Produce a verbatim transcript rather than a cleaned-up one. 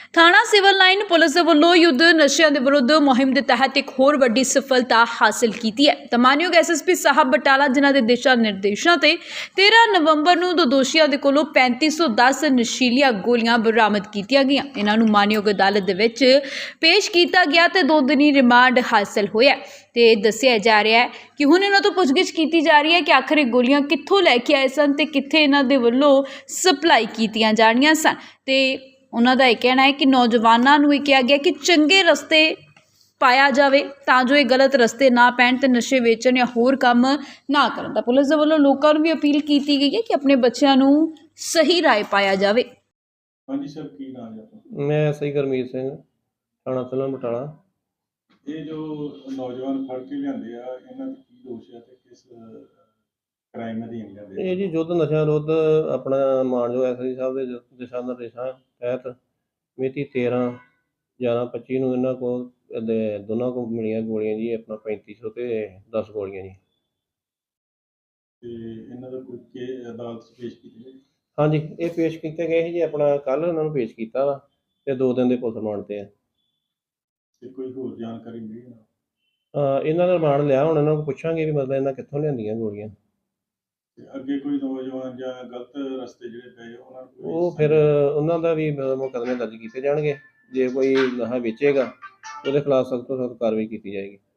ਥਾਣਾ civil line police ਦੇ ਵੱਲੋਂ ਯੁੱਧ ਨਸ਼ਿਆਂ ਦੇ ਵਿਰੁੱਧ ਮੁਹਿੰਮ ਦੇ ਤਹਿਤ ਇੱਕ ਹੋਰ ਵੱਡੀ ਸਫਲਤਾ ਹਾਸਲ ਕੀਤੀ ਹੈ। ਤਾਂ ਮਾਨਯੋਗ ਐਸ ਐਸ ਪੀ ਸਾਹਿਬ ਬਟਾਲਾ ਜਿਨ੍ਹਾਂ ਦੇ ਦਿਸ਼ਾ ਨਿਰਦੇਸ਼ਾਂ ਤੇ ਤੇਰਾਂ ਨਵੰਬਰ ਨੂੰ ਦੋ ਦੋਸ਼ੀਆਂ ਦੇ ਕੋਲੋਂ ਪੈਂਤੀ ਸੌ ਦਸ ਨਸ਼ੀਲੀਆਂ ਗੋਲੀਆਂ ਬਰਾਮਦ ਕੀਤੀਆਂ ਗਈਆਂ। ਇਹਨਾਂ ਨੂੰ ਮਾਨਯੋਗ ਅਦਾਲਤ ਦੇ ਵਿੱਚ ਪੇਸ਼ ਕੀਤਾ ਗਿਆ ਤੇ ਦੋ ਦਿਨੀ ਰਿਮਾਂਡ ਹਾਸਲ ਹੋਇਆ ਤੇ ਦੱਸਿਆ ਜਾ ਰਿਹਾ ਹੈ ਕਿ ਹੁਣ ਇਹਨਾਂ ਤੋਂ ਪੁੱਛਗਿੱਛ ਕੀਤੀ ਜਾ ਰਹੀ ਹੈ ਕਿ ਆਖਰ ਇਹ ਗੋਲੀਆਂ ਕਿੱਥੋਂ ਲੈ ਕੇ ਆਏ ਸਨ ਤੇ ਕਿੱਥੇ ਇਹਨਾਂ ਦੇ ਵੱਲੋਂ ਸਪਲਾਈ ਕੀਤੀਆਂ ਜਾਣੀਆਂ ਸਨ। ਤੇ ਉਹਨਾਂ ਦਾ ਇਹ ਕਹਿਣਾ ਹੈ ਕਿ ਨੌਜਵਾਨਾਂ ਨੂੰ ਇਹ ਕਿਹਾ ਗਿਆ ਕਿ ਚੰਗੇ ਰਸਤੇ ਪਾਇਆ ਜਾਵੇ ਤਾਂ ਜੋ ਇਹ ਗਲਤ ਰਸਤੇ ਨਾ ਪੈਣ ਤੇ ਨਸ਼ੇ ਵੇਚਣ ਜਾਂ ਹੋਰ ਕੰਮ ਨਾ ਕਰਨ। ਤਾਂ ਪੁਲਿਸ ਦੇ ਵੱਲੋਂ ਲੋਕਾਂ ਨੂੰ ਵੀ ਅਪੀਲ ਕੀਤੀ ਗਈ ਹੈ ਕਿ ਆਪਣੇ ਬੱਚਿਆਂ ਨੂੰ ਸਹੀ ਰਾਹ ਪਾਇਆ ਜਾਵੇ। ਹਾਂਜੀ ਸਰ, ਕੀ ਨਾਮ ਹੈ ਆਪਣਾ? ਮੈਂ ਐਸ ਆਈ ਗੁਰਮੀਤ ਸਿੰਘ, ਥਾਣਾ ਸਿਵਲ ਬਟਾਲਾ। ਇਹ ਜੋ ਨੌਜਵਾਨ ਫੜ ਕੇ ਲਿਆਂਦੇ ਆ, ਇਹਨਾਂ ਦੇ ਕੀ ਦੋਸ਼ ਆ ਤੇ ਕਿਸ ਕ੍ਰਾਈਮ ਅਧੀਨ ਲਿਆਂਦੇ? ਇਹ ਜੀ ਯੁੱਧ ਨਸ਼ਿਆਂ ਵਿਰੁੱਧ ਆਪਣਾ ਮਾਨਯੋਗ ਐਸ ਆਈ ਸਾਹਿਬ ਦੇ ਦਿਸ਼ਾ ਨਿਰਦੇਸ਼ਾਂ ਤਹਿਤ ਮਿਤੀ ਤੇਰਾਂ ਗਿਆਰਾਂ ਪੱਚੀ ਨੂੰ ਇਹਨਾਂ ਕੋਲ ਦੋਨਾਂ ਕੋਲ ਮਿਲੀਆਂ ਗੋਲੀਆਂ ਜੀ, ਆਪਣਾ ਪੈਂਤੀ ਸੌ ਤੇ ਦਸ ਗੋਲੀਆਂ ਜੀ। ਤੇ ਇਹਨਾਂ ਦਾ ਕੋਈ ਕੇ ਅਦਾਲਤ 'ਚ ਪੇਸ਼ ਕੀਤੇ ਗਏ? ਹਾਂਜੀ, ਇਹ ਪੇਸ਼ ਕੀਤੇ ਗਏ ਸੀ ਜੀ, ਆਪਣਾ ਕੱਲ੍ਹ ਇਹਨਾਂ ਨੂੰ ਪੇਸ਼ ਕੀਤਾ ਵਾ ਤੇ ਦੋ ਦਿਨ ਦੇ ਪੁਲਿਸ ਰਿਮਾਂਡ ਤੇ ਆ। ਤੇ ਕੋਈ ਹੋਰ ਜਾਣਕਾਰੀ ਮਿਲੀ ਨਾ? ਅਹ ਇਹਨਾਂ ਦਾ ਰਿਮਾਂਡ ਲਿਆ, ਹੁਣ ਇਹਨਾਂ ਨੂੰ ਪੁੱਛਾਂਗੇ ਵੀ ਮਤਲਬ ਇਹਨਾਂ ਕਿੱਥੋਂ ਲਿਆਂਦੀਆਂ ਗੋਲੀਆਂ। ਤੇ ਅੱਗੇ ਕੋਈ ਨੌਜਵਾਨ ਜਾਂ ਗਲਤ ਰਸਤੇ ਜਿਹੜੇ ਪਏ ਉਹਨਾਂ ਨੂੰ ਉਹ ਫਿਰ ਉਹਨਾਂ ਦਾ ਵੀ ਮੁਕੱਦਮੇ ਦਰਜ ਕੀਤੇ ਜਾਣਗੇ। ਜੇ ਕੋਈ ਨਸ਼ਾ ਵੇਚੇਗਾ ਉਹਦੇ ਖਿਲਾਫ ਸਖਤ ਤੋਂ ਸਖਤ ਕਾਰਵਾਈ ਕੀਤੀ ਜਾਏਗੀ।